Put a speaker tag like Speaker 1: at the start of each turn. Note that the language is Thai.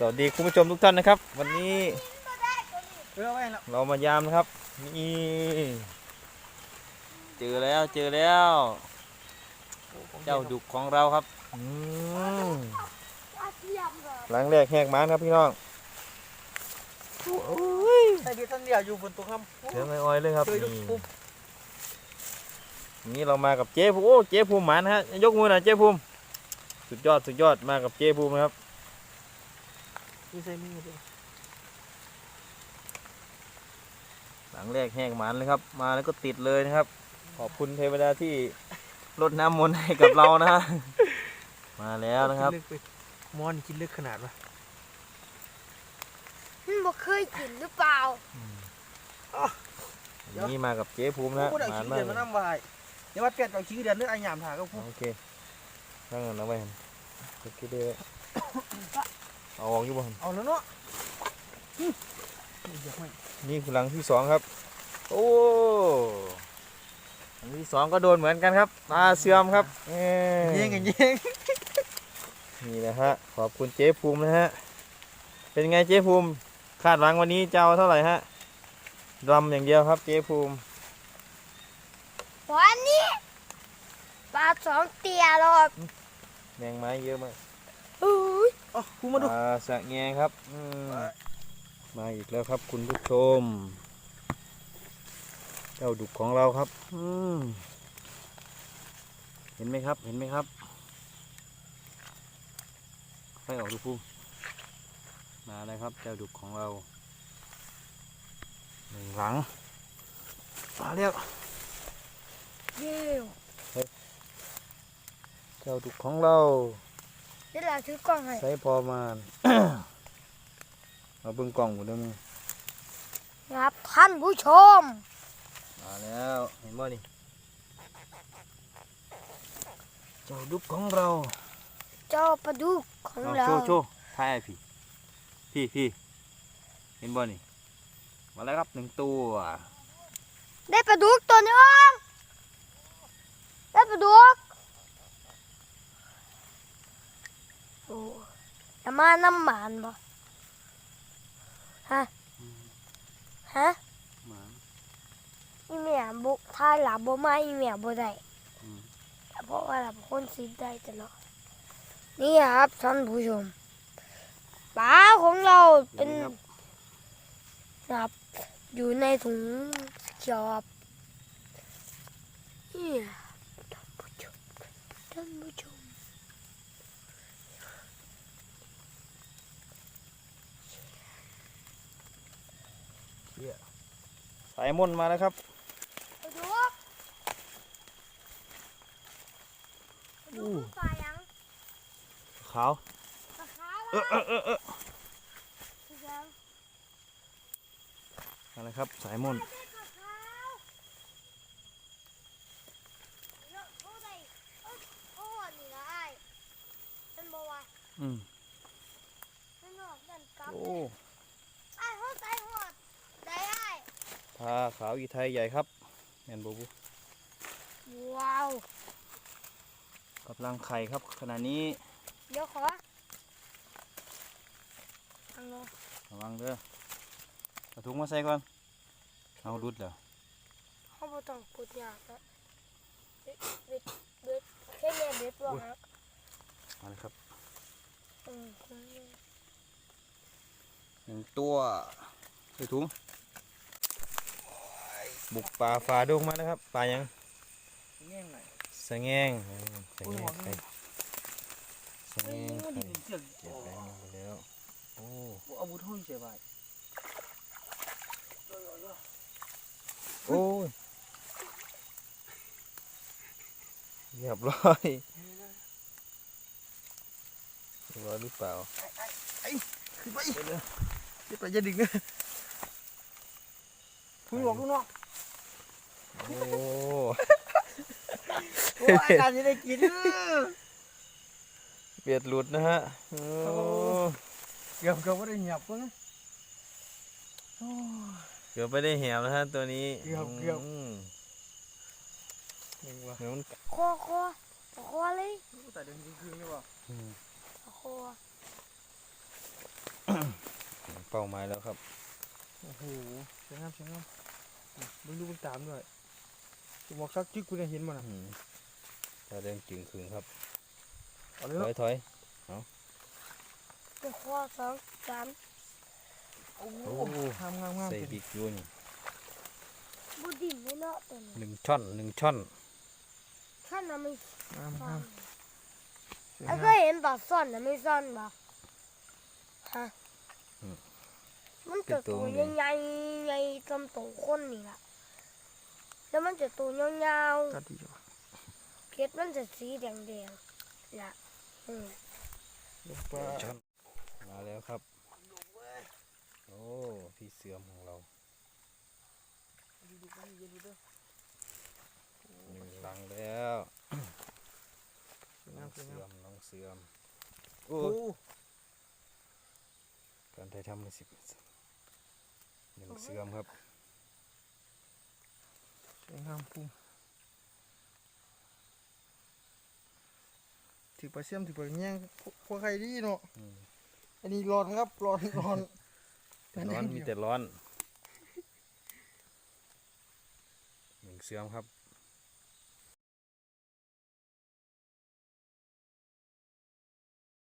Speaker 1: วัสดีคุณผู้ชมทุกท่านนะครับวันนี้เรามายามนะครับนี่เจอแล้วเจ้าดุกของเราครับหลังแรกแหกมันครับพี่น้อง
Speaker 2: ไอ้ที่ท่านเนี่ยอยู่บนตัวคำ
Speaker 1: เจอไม่อ้อยเลยครับนี่เรามากับเจ๊ภูมิโอ้เจ๊ภูมิหมันฮะยกมือหน่อยเจ๊ภูมิสุดยอดมากับเจ๊ภูมิครับหลังแรกแหกมันเลยครับมาแล้วก็ติดเลยนะครับขอบคุณเทวดาที่รดน้ำมนต์ให้กับเรานะฮะมาแล้วนะครับ
Speaker 2: มอนกินลึกขนาดวะ
Speaker 3: บ่เคยกินหรือเปล่า
Speaker 1: นี่มากับเจ๊ภูมินะ
Speaker 2: มาเดือนมาน้ำวายเดี๋ยวว่าเปลี่ยนเอาขี้เดือนนึกไอ้หยามถ่ายก็พูด
Speaker 1: โอเคนั่งกันนะไว้เห็นคิดได้เอาออกอยู่บ้าน
Speaker 2: เอาแล้วเนาะ
Speaker 1: นี่คือหลังที่สองครับโอ้หลังที่สองก็โดนเหมือนกันครับตาเสื่อมครับ
Speaker 2: ยิง
Speaker 1: นี่นะฮะขอบคุณเจ๊ภูมินะฮะเป็นไงเจ๊ภูมิคาดหวังวันนี้จะเอาเท่าไหร่ฮะดำอย่างเดียวครับเจ๊ภูมิ
Speaker 3: วันนี้ปลาสองเตียหรอก
Speaker 1: แมงไม้เยอะมาก
Speaker 2: คุณมาดู
Speaker 1: ปลาสะแงครับมาอีกแล้วครับคุณผู้ชมเจ้าดุกของเราครับเห็นไหมครับไฟออกดูภูมิมาเลยครับเจ้าดุกของเราหนึ่งหลังมาเรียกเจ้าดุกของเรา
Speaker 3: เดี๋ยวเราถือกล้องให้
Speaker 1: ใช้พอมามาเบิ่งกล่องหมดแล้วมึง
Speaker 3: ครับท่านผู้ชม
Speaker 1: มาแล้วเห็นบ่นี่เจ้าดุกของเรา
Speaker 3: เจ้าปลาดุกของเรา
Speaker 1: โชว์ถ่ายพี่เห็นบ่นี่มาแล้วครับหนึ่งตัว
Speaker 3: ได้ปลาดุกตัวนึงได้ปลาดุกโอ้จะมาน้ำหมันบ่ฮะอีเมียบุกท้ายหลับบ่มาอีเมียบ่ได้เพราะว่าหลับคนสิได้ตลอดนี่ครับท่านผู้ชมปลาของเราเป็นครับอยู่ในถุงเขียวครับนี่ท่านผู้ชม
Speaker 1: สายมนมาแล้วครับ
Speaker 3: ดูปลายัง
Speaker 1: ขาวอะไรครับสายมนโอ้ปลาขาวอีไทยใหญ่ครับแมนบู
Speaker 3: ว้าว
Speaker 1: กำลังไข่ครับขณะนี้
Speaker 3: เดี๋ยวขอ
Speaker 1: ระวังเด้อเอาถุงมาใส่ก่อนเอาดุดเหรอ
Speaker 3: เขาไม่ต้องพูดยากนะเบ็ดแค่เบ็ดว่าฮัก
Speaker 1: มาเลยครับหนึ่งตัวใส่ถุงบุกป่าฝ่าดงมานะครับป่ายังสะแงงเก็บแรงไปแล้วโอ้
Speaker 2: เอาบุตรห้อยเสียไป
Speaker 1: โอ้ยเรียบร้อยหรือเปล่า
Speaker 2: ขึ้นไปจะดึงนะพุ่งหลอกลูกน้อง
Speaker 1: โอ้
Speaker 2: อาจารย์จะได้กิน
Speaker 1: เบียดหลุดนะฮะ
Speaker 2: เกือบไม่ได้หยับเพิ่ง
Speaker 1: เกือบไม่ได้แหวนะฮะตัวนี้
Speaker 2: เกือบ
Speaker 3: คอเลย
Speaker 2: แต่เดินคืนนี่วะ
Speaker 3: คอ
Speaker 1: เป้าหมายแล้วครับ
Speaker 2: โอ้โหสวยงามสวยงามมึงดูมึงตามด้วยจะบอกซักจึ๊กกูเนี่ยเห็นมันอ่ะ
Speaker 1: ตาแดงจึงคืนครับ
Speaker 2: เอาเลย
Speaker 1: ถ
Speaker 2: เนาะ
Speaker 1: อยถอย
Speaker 3: ไปข้อสองสาม
Speaker 2: โอ้
Speaker 1: โอ้
Speaker 2: โหงามงามงาม
Speaker 1: ใส่
Speaker 2: เป็น
Speaker 1: บิ๊กยูน
Speaker 3: บุดินไม่เนาะตัวนี้
Speaker 1: 1 ช่อน 1 ช่อน
Speaker 3: ท่านน่ะไม่
Speaker 2: งาม
Speaker 3: ซ่อง
Speaker 2: าน มสวย
Speaker 3: แล้ว
Speaker 2: งา
Speaker 3: ก็
Speaker 2: ม
Speaker 3: เห็นปลาซ่อนน่ะไม่ซ่อนบ่ฮะมันจะตัวใหญ่ๆใหญ่จนตัวคนนี่ล่ะแล้วมันจะตัวยาว
Speaker 2: ตัดดีจ้ะ
Speaker 3: ๆเกล็ดมันจะสีแดงๆล่ะ
Speaker 2: ลงไป
Speaker 1: ช่อนมาแล้วครับ โอ้พี่เสือมของเรา1 ลังแล้ว
Speaker 2: สวย
Speaker 1: น้
Speaker 2: งา
Speaker 1: อ
Speaker 2: ม
Speaker 1: ง
Speaker 2: สวย
Speaker 1: เสื
Speaker 2: งา
Speaker 1: อ
Speaker 2: ม
Speaker 1: มน้องเสือม
Speaker 2: โอ้
Speaker 1: การถ่ายทำมัน10 1 เสือมครับ
Speaker 2: สวยงามพุ่มถือปลาเสี่ยมถือปลาแง่งพวกใครดีเนาะ
Speaker 1: อืม
Speaker 2: อันนี้ร้อนครับร้อนร้อน
Speaker 1: แต่ร้อนมีแต่ร้อน 1 เสือมครับ